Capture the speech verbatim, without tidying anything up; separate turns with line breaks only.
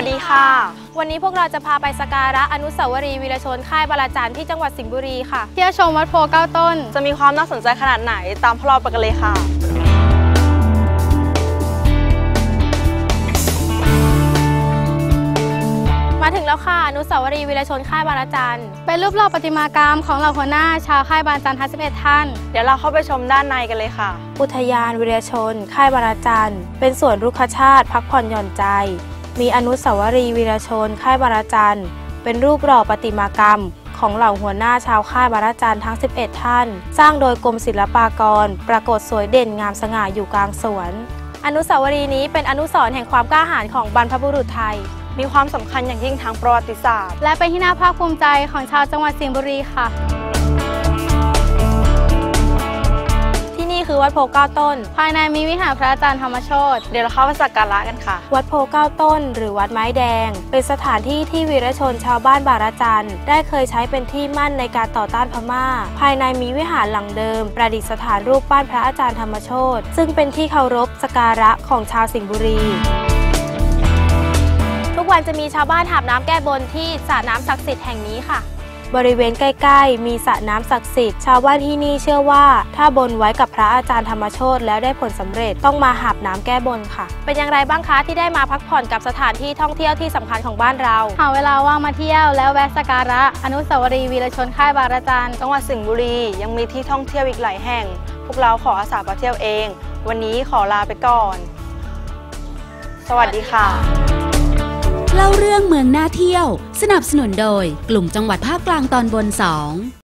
สดีค่ะ
วันนี้พวกเราจะพาไปสักการะอนุสาวรีย์วีรชนค่ายบาราจันที่จังหวัดสิงห์บุรีค่ะ
เที่ยวชมวัดโพเก้าต้น
จะมีความน่าสนใจขนาดไหนตามพวกเราไปกันเลยค่ะมาถึงแล้วค่ะอนุสาวรีย์วีรชนค่ายบาราจัน
เป็นรูปหล่อประติมากรรมของเหล่าหัวหน้าชาวค่ายบาราจันทั้งสิบเอ็ดท่าน
เดี๋ยวเราเข้าไปชมด้านในกันเลยค่ะอุทยานวีรชนค่ายบาราจันเป็นสวนรุกขชาติพักผ่อนหย่อนใจมีอนุสาวรีย์วีรชนค่ายบาราจันเป็นรูปหล่อประติมากรรมของเหล่าหัวหน้าชาวค่ายบาราจันทั้งสิบเอ็ดท่านสร้างโดยกรมศิลปากรปรากฏสวยเด่นงามสง่าอยู่กลางสวนอนุสาวรีย์นี้เป็นอนุสรณ์แห่งความกล้าหาญของบรรพบุรุษไทยมีความสำคัญอย่างยิ่งทางประวัติศาสตร์
และเป็นที่น่าภาคภูมิใจของชาวจังหวัดสิงห์บุรีค่ะ
ที่นี่คือวัดโพเก้าต้น
ภายในมีวิหารพระอาจารย์ธรรมโชติ
เดี๋ยวเราเข้าไปสักการะกันค่ะวัดโพเก้าต้นหรือวัดไม้แดงเป็นสถานที่ที่วีรชนชาวบ้านบาราจันได้เคยใช้เป็นที่มั่นในการต่อต้านพม่าภายในมีวิหารหลังเดิมประดิษฐานรูปปั้นพระอาจารย์ธรรมโชติซึ่งเป็นที่เคารพสักการะของชาวสิงห์บุรีทุกวันจะมีชาวบ้านหาบน้ำแก้บนที่สระน้ำศักดิ์สิทธิ์แห่งนี้ค่ะบริเวณใกล้ๆมีสระน้ำศักดิ์สิทธิ์ชาวบ้านที่นี่เชื่อว่าถ้าบนไว้กับพระอาจารย์ธรรมโชติแล้วได้ผลสำเร็จต้องมาหาบน้ำแก้บนค่ะเป็นอย่างไรบ้างคะที่ได้มาพักผ่อนกับสถานที่ท่องเที่ยวที่สำคัญของบ้านเรา
หาเวลาว่างมาเที่ยวแล้วแวะสักการะอนุสาวรีย์วีรชนค่ายบาราจัน
จังหวัดสิงห์บุรียังมีที่ท่องเที่ยวอีกหลายแห่งพวกเราขออาสาไปเที่ยวเองวันนี้ขอลาไปก่อนสวัสดีค่ะ
เล่าเรื่องเมืองน่าเที่ยวสนับสนุนโดยกลุ่มจังหวัดภาคกลางตอนบนสอง